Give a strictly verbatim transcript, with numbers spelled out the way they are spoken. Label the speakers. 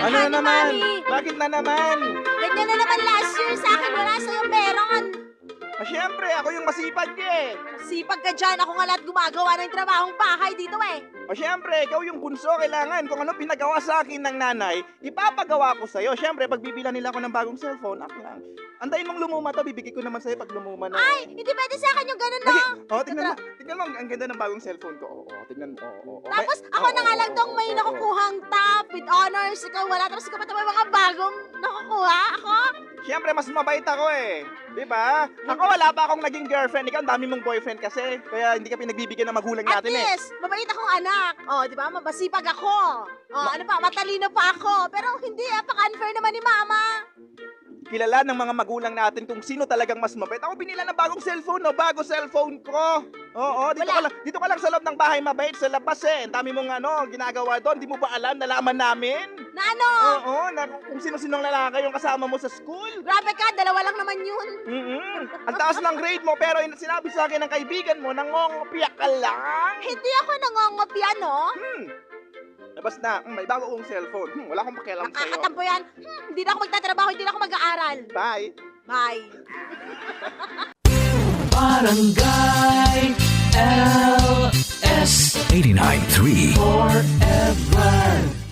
Speaker 1: Ano na
Speaker 2: ni
Speaker 1: naman?
Speaker 2: Mami.
Speaker 1: Bakit na naman?
Speaker 2: Ganyan na naman last year sa akin, wala sa'yo meron.
Speaker 1: Ah, syempre, ako yung masipag eh.
Speaker 2: Sipag ka dyan, ako nga lahat gumagawa ng trabahong bahay dito eh.
Speaker 1: O syempre, ikaw yung bunso, kailangan kung ano pinagawa sa akin ng nanay, ipapagawa ko sa'yo. Syempre, pag bibilan nila ako ng bagong cellphone, ako lang. Antayin mong lumuma to, bibigay ko naman sa'yo pag lumuma na.
Speaker 2: Ay, hindi pwede sa akin yung ganun, no?
Speaker 1: Lagi, oh, tingnan mo, tingnan mo, ang ang ganda ng bagong cellphone ko. Oo, oh, tingnan mo. Oo, oo, oo.
Speaker 2: Tapos
Speaker 1: May-
Speaker 2: ako
Speaker 1: oo,
Speaker 2: na nga
Speaker 1: oo,
Speaker 2: lang tong
Speaker 1: oo,
Speaker 2: may
Speaker 1: oo, oo.
Speaker 2: nakukuhang top with honors. Ikaw wala. Tapos ikaw pa may mga bagong nakukuha. Ako?
Speaker 1: Siyempre, mas mabait ako eh. Di ba? Ako wala pa akong naging girlfriend. Ikaw, ang dami mong boyfriend kasi. Kaya hindi ka pinagbibigyan ng magulang
Speaker 2: At
Speaker 1: natin eh.
Speaker 2: least, mabait akong anak. Oh, di ba? Mabasipag ako. Oh, ano pa? Matalino pa ako. Pero hindi, ah. Paka-unfair naman ni Mama.
Speaker 1: Kilala ng mga magulang natin kung sino talagang mas mabait. Ako binila ng bagong cellphone, no? Bago cellphone ko. Oo, dito
Speaker 2: Wala.
Speaker 1: ka, lang, dito ka lang sa loob ng bahay mabait. Sa labas eh. Ang dami mong ano, ginagawa doon. Di mo ba alam? Nalaman namin.
Speaker 2: Na ano?
Speaker 1: Oo, na kung sino-sinong lalaki yung kasama mo sa school.
Speaker 2: Grabe ka, dalawa lang naman yun.
Speaker 1: Mm-mm. Ang taas ng grade mo, pero in- sinabi sa akin ng kaibigan mo, nangongopya ka lang.
Speaker 2: Hindi ako nangongopya, no?
Speaker 1: Hmm. Labas na, hmm, may bago kong cellphone. Hmm, wala akong pakialam sa'yo.
Speaker 2: Nakakatampo yan. Hmm, hindi na ako magtatrabaho, hindi na ako mag-aaral.
Speaker 1: Bye.
Speaker 2: Bye.
Speaker 3: Barangay L S eighty-nine point three Forever